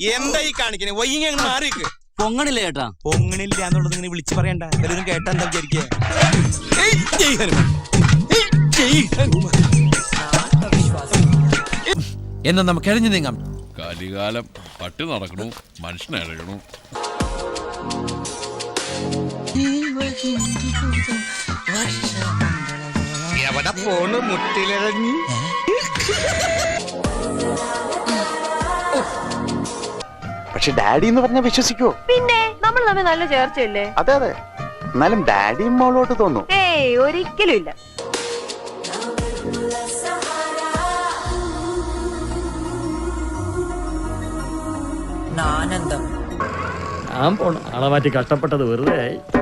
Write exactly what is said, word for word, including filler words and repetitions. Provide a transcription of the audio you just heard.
എന്താ ഈ കാണിക്കണേ വൈകി അങ്ങ് മാറിക്ക്. പൊങ്ങണില്ല ചേട്ടാ. പൊങ്ങണില്ല എന്നുള്ളത് ഇങ്ങനെ വിളിച്ചു പറയണ്ട. എല്ലാവരും കേട്ടാ എന്താ വിചാരിക്കുക? എന്നാ നമുക്ക് എഴഞ്ഞു നീങ്ങാം. കലികാലം പട്ടി നടക്കണു, മനുഷ്യനഴകണു. എവിടെ പോണ് മുട്ടിലിറങ്ങി? പക്ഷെ ഡാഡി എന്ന് പറഞ്ഞാൽ വിശ്വസിക്കോ? പിന്നെ നമ്മൾ തമ്മിൽ നല്ല ചേർച്ചയല്ലേ? അതെ അതെ, എന്നാലും ഡാഡിയും മോളോട്ട് തോന്നും. ഏയ് ഒരിക്കലും ഇല്ല. ഞാൻ പോണ ആളെ മാറ്റി കഷ്ടപ്പെട്ടത് വെറുതെ ആയി.